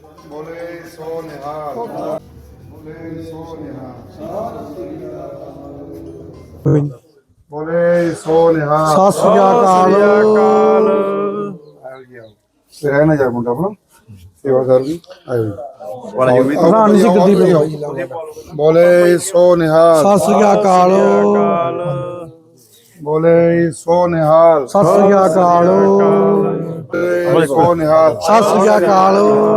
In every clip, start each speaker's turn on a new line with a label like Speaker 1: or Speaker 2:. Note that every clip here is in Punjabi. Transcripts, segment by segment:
Speaker 1: बोले सो निहाल बोले सो निहाल बोले सो निहाल
Speaker 2: सत श्री अकाल।
Speaker 1: रहना जा मुंडा अपना सेवादार भी आयो
Speaker 2: प्रधान जी गद्दी पे
Speaker 1: बोले सो निहाल
Speaker 2: सत श्री अकाल।
Speaker 1: बोले सो निहाल
Speaker 2: सत श्री अकाल।
Speaker 1: बोले सो निहाल
Speaker 2: सत श्री अकाल।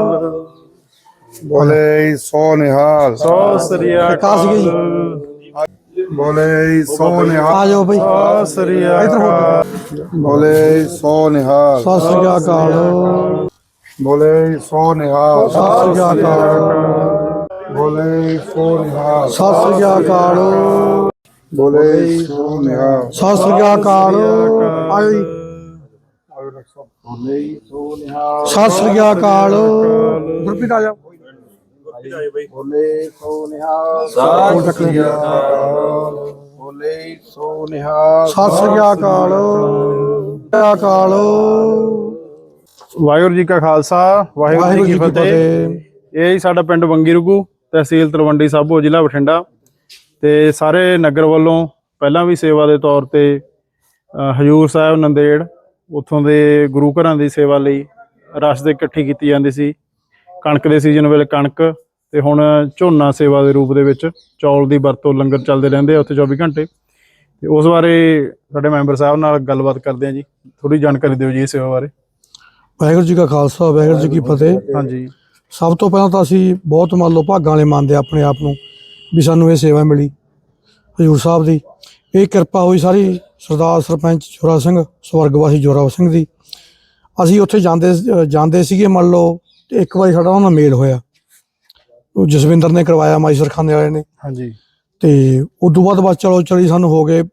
Speaker 1: बोले सो निहाल
Speaker 2: काश गई
Speaker 1: बोले सो
Speaker 2: आ
Speaker 1: निहाल
Speaker 2: जाओ भाई इधर हो।
Speaker 1: बोले सो निहाल
Speaker 2: सत श्री अकाल।
Speaker 1: बोले सो निहाल
Speaker 2: सत श्री अकाल।
Speaker 1: बोले सो निहाल
Speaker 2: सत श्री अकाल।
Speaker 1: बोले सो निहाल
Speaker 2: सत श्री अकाल। आयो जी। सत श्री अकाल। गुरप्रीत आ जाओ।
Speaker 1: बोले सो निहाल
Speaker 2: सत श्री
Speaker 1: बोले सो निहाल
Speaker 2: अकाल। अकाल।
Speaker 3: ਵਾਹਿਗੁਰੂ ਜੀ ਕਾ ਖਾਲਸਾ ਵਾਹਿਗੁਰੂ ਜੀ ਕੀ ਫਤਿਹ। ਇਹ ਸਾਡਾ ਪਿੰਡ ਬੰਗੀ ਰੁਗੂ, ਤਹਿਸੀਲ ਤਲਵੰਡੀ ਸਾਬੋ, ਜ਼ਿਲ੍ਹਾ ਬਠਿੰਡਾ। ਤੇ ਸਾਰੇ ਨਗਰ ਵੱਲੋਂ ਪਹਿਲਾਂ ਵੀ ਸੇਵਾ ਦੇ ਤੌਰ ਤੇ ਹਜੂਰ ਸਾਹਿਬ ਨੰਦੇੜ ਉੱਥੋਂ ਦੇ ਗੁਰੂ ਘਰਾਂ ਦੀ ਸੇਵਾ ਲਈ ਰਸ ਦੇ ਇਕੱਠੀ ਕੀਤੀ ਜਾਂਦੀ ਸੀ। ਕਣਕ ਦੇ ਸੀਜ਼ਨ ਵੇਲੇ ਕਣਕ, ਤੇ ਹੁਣ ਝੋਨਾ ਸੇਵਾ ਦੇ ਰੂਪ ਦੇ ਵਿੱਚ ਚੌਲ ਦੀ ਵਰਤੋਂ ਲੰਗਰ ਚੱਲਦੇ ਰਹਿੰਦੇ ਆ ਉੱਥੇ 24 ਘੰਟੇ। ਤੇ ਉਸ ਬਾਰੇ ਸਾਡੇ ਮੈਂਬਰ ਸਾਹਿਬ ਨਾਲ ਗੱਲਬਾਤ ਕਰਦੇ ਆ ਜੀ। ਥੋੜੀ ਜਾਣਕਾਰੀ ਦਿਓ ਜੀ ਇਸ ਸੇਵਾ ਬਾਰੇ।
Speaker 2: ਵਾਹਿਗੁਰੂ ਜੀ ਕਾ ਖਾਲਸਾ ਵਾਹਿਗੁਰੂ ਜੀ ਕੀ ਫਤਿਹ।
Speaker 3: ਹਾਂਜੀ,
Speaker 2: ਸਭ ਤੋਂ ਪਹਿਲਾਂ ਤਾਂ ਅਸੀਂ ਬਹੁਤ ਮੰਨ ਲਓ ਭਾਗਾਂ ਵਾਲੇ ਮੰਨਦੇ ਆਪਣੇ ਆਪ ਨੂੰ ਵੀ ਸਾਨੂੰ ਇਹ ਸੇਵਾ ਮਿਲੀ ਹਜ਼ੂਰ ਸਾਹਿਬ ਦੀ। ਇਹ ਕਿਰਪਾ ਹੋਈ ਸਾਰੀ ਸਰਦਾਰ ਸਰਪੰਚ ਜੋਰਾ ਸਿੰਘ ਸਵਰਗਵਾਸੀ ਜੋਰਾ ਸਿੰਘ ਦੀ। ਅਸੀਂ ਉੱਥੇ ਜਾਂਦੇ ਸੀਗੇ ਮੰਨ ਲਓ, ਤੇ ਇੱਕ ਵਾਰੀ ਸਾਡਾ ਉਹਨਾਂ ਨਾਲ ਮੇਲ ਹੋਇਆ। ਉਹ ਜਸਵਿੰਦਰ ਨੇ ਕਰਵਾਇਆ, ਮਾਈਸਰ ਖਾਨੇ ਵਾਲੇ ਨੇ।
Speaker 3: ਹਾਂਜੀ,
Speaker 2: ਤੇ ਉਦੋਂ ਬਾਅਦ ਬਸ ਚਲੀ ਸਾਨੂੰ ਹੋ ਗਏ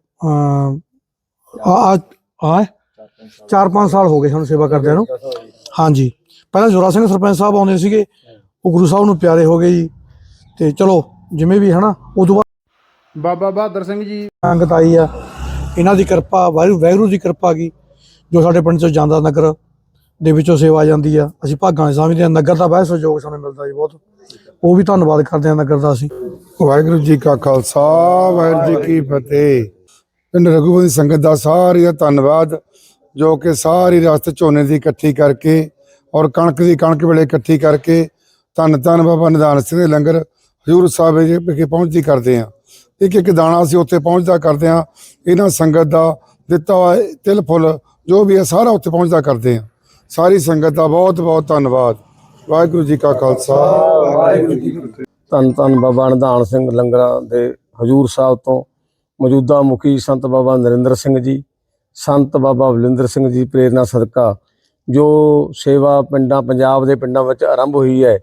Speaker 2: 4-5 ਸਾਲ ਹੋ ਗਏ ਸਾਨੂੰ ਸੇਵਾ ਕਰਦਿਆਂ ਨੂੰ। ਹਾਂਜੀ, ਪਹਿਲਾਂ ਜੋਰਾ ਸਿੰਘ ਸਰਪੰਚ ਸਾਹਿਬ ਆਉਂਦੇ ਸੀਗੇ, ਉਹ ਗੁਰੂ ਸਾਹਿਬ ਨੂੰ ਪਿਆਰੇ ਹੋ ਗਏ ਜੀ। ਤੇ ਚਲੋ ਜਿਵੇਂ ਵੀ ਹੈ ਨਾ, ਉਦੋਂ ਬਾਅਦ
Speaker 3: ਬਾਬਾ ਬਹਾਦਰ ਸਿੰਘ ਜੀ
Speaker 2: ਸੰਗਤ ਆਈ ਆ, ਇਹਨਾਂ ਦੀ ਕਿਰਪਾ, ਵਾਹਿਗੁਰੂ ਦੀ ਕਿਰਪਾ ਗਈ ਜੋ ਸਾਡੇ ਪਿੰਡ ਚੋਂ ਜਾਂਦਾ ਨਗਰ ਦੇ ਵਿੱਚੋਂ ਸੇਵਾ ਜਾਂਦੀ ਆ। ਅਸੀਂ ਭਾਗਾਂ ਵਾਲੇ ਸਮਝਦੇ ਹਾਂ। ਨਗਰ ਦਾ ਬਹੁਤ ਸਹਿਯੋਗ ਸਾਨੂੰ ਮਿਲਦਾ ਜੀ, ਬਹੁਤ। ਉਹ ਵੀ ਧੰਨਵਾਦ ਕਰਦੇ ਹਾਂ ਨਗਰ ਦਾ ਅਸੀਂ।
Speaker 1: ਵਾਹਿਗੁਰੂ ਜੀ ਕਾ ਖਾਲਸਾ ਵਾਹਿਗੁਰੂ ਜੀ ਕੀ ਫਤਿਹ। ਪਿੰਡ ਰਘੂਪਤੀ ਸੰਗਤ ਦਾ ਸਾਰੀ ਦਾ ਧੰਨਵਾਦ, ਜੋ ਕਿ ਸਾਰੀ ਰਿਆਸਤ ਝੋਨੇ ਦੀ ਇਕੱਠੀ ਕਰਕੇ ਔਰ ਕਣਕ ਦੀ ਕਣਕ ਵੇਲੇ ਇਕੱਠੀ ਕਰਕੇ ਧੰਨ ਧੰਨ ਬਾਬਾ ਨਿਧਾਨ ਸਿੰਘ ਦੇ ਲੰਗਰ ਹਜ਼ੂਰ ਸਾਹਿਬ ਵਿਖੇ ਪਹੁੰਚਦੀ ਕਰਦੇ ਹਾਂ। ਇੱਕ ਇੱਕ ਦਾਣਾ ਅਸੀਂ ਉੱਥੇ ਪਹੁੰਚਦਾ ਕਰਦੇ ਹਾਂ। ਇਹਨਾਂ ਸੰਗਤ ਦਾ ਦਿੱਤਾ ਹੋਇਆ ਤਿਲ ਫੁੱਲ ਜੋ ਵੀ ਹੈ ਸਾਰਾ ਉੱਥੇ ਪਹੁੰਚਦਾ ਕਰਦੇ ਹਾਂ। ਸਾਰੀ ਸੰਗਤ ਦਾ ਬਹੁਤ ਬਹੁਤ ਧੰਨਵਾਦ। ਵਾਹਿਗੁਰੂ ਜੀ ਕਾ ਖਾਲਸਾ ਵਾਹਿਗੁਰੂ ਜੀ ਕੀ ਫਤਿਹ।
Speaker 4: ਧੰਨ ਧੰਨ ਬਾਬਾ ਨਿਧਾਨ ਸਿੰਘ ਲੰਗਰਾਂ ਦੇ ਹਜ਼ੂਰ ਸਾਹਿਬ ਤੋਂ ਮੌਜੂਦਾ ਮੁਖੀ ਸੰਤ ਬਾਬਾ ਨਰਿੰਦਰ ਸਿੰਘ ਜੀ, ਸੰਤ ਬਾਬਾ ਬਲਵਿੰਦਰ ਸਿੰਘ ਜੀ ਪ੍ਰੇਰਨਾ ਸਦਕਾ ਜੋ ਸੇਵਾ ਪਿੰਡਾਂ ਪੰਜਾਬ ਦੇ ਪਿੰਡਾਂ ਵਿੱਚ ਆਰੰਭ ਹੋਈ ਹੈ।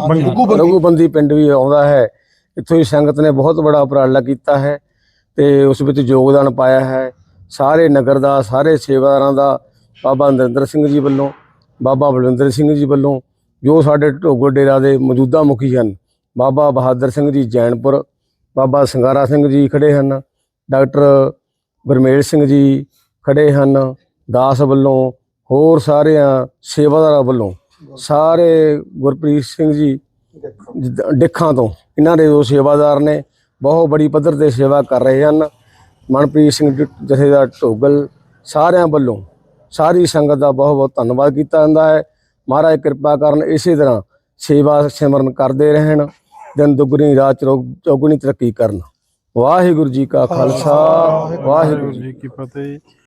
Speaker 4: ਰਘੂਬੰਦੀ ਪਿੰਡ ਵੀ ਆਉਂਦਾ ਹੈ। ਇੱਥੋਂ ਦੀ ਸੰਗਤ ਨੇ ਬਹੁਤ ਬੜਾ ਉਪਰਾਲਾ ਕੀਤਾ ਹੈ ਤੇ ਉਸ ਵਿੱਚ ਯੋਗਦਾਨ ਪਾਇਆ ਹੈ। ਸਾਰੇ ਨਗਰ ਦਾ, ਸਾਰੇ ਸੇਵਾਦਾਰਾਂ ਦਾ, ਬਾਬਾ ਨਰਿੰਦਰ ਸਿੰਘ ਜੀ ਵੱਲੋਂ, ਬਾਬਾ ਬਲਵਿੰਦਰ ਸਿੰਘ ਜੀ ਵੱਲੋਂ, ਜੋ ਸਾਡੇ ਢੋਗਰ ਡੇਰਾ ਦੇ ਮੌਜੂਦਾ ਮੁਖੀ ਹਨ, ਬਾਬਾ ਬਹਾਦਰ ਸਿੰਘ ਜੀ ਜੈਨਪੁਰ, ਬਾਬਾ ਸੰਗਾਰਾ ਸਿੰਘ ਜੀ ਖੜੇ ਹਨ, ਡਾਕਟਰ ਗੁਰਮੇਲ ਸਿੰਘ ਜੀ ਖੜੇ ਹਨ, ਦਾਸ ਵੱਲੋਂ, ਹੋਰ ਸਾਰਿਆਂ ਸੇਵਾਦਾਰਾਂ ਵੱਲੋਂ, ਸਾਰੇ ਗੁਰਪ੍ਰੀਤ ਸਿੰਘ ਜੀ ਡਿੱਖਾਂ ਤੋਂ, ਇਹਨਾਂ ਦੇ ਜੋ ਸੇਵਾਦਾਰ ਨੇ ਬਹੁਤ ਬੜੀ ਪੱਧਰ 'ਤੇ ਸੇਵਾ ਕਰ ਰਹੇ ਹਨ। ਮਨਪ੍ਰੀਤ ਸਿੰਘ ਜਥੇਦਾਰ ਢੋਗਲ, ਸਾਰਿਆਂ ਵੱਲੋਂ ਸਾਰੀ ਸੰਗਤ ਦਾ ਬਹੁਤ ਬਹੁਤ ਧੰਨਵਾਦ ਕੀਤਾ ਜਾਂਦਾ ਹੈ। ਮਹਾਰਾਜ ਕਿਰਪਾ ਕਰਨ, ਇਸੇ ਤਰ੍ਹਾਂ ਸੇਵਾ ਸਿਮਰਨ ਕਰਦੇ ਰਹਿਣ, ਦਿਨ ਦੁੱਗਣੀ ਰਾਤ ਚੌਗੁਣੀ ਤਰੱਕੀ ਕਰਨ। ਵਾਹਿਗੁਰੂ ਜੀ ਕਾ ਖਾਲਸਾ ਵਾਹਿਗੁਰੂ ਜੀ
Speaker 3: ਕੀ ਫਤਿਹ।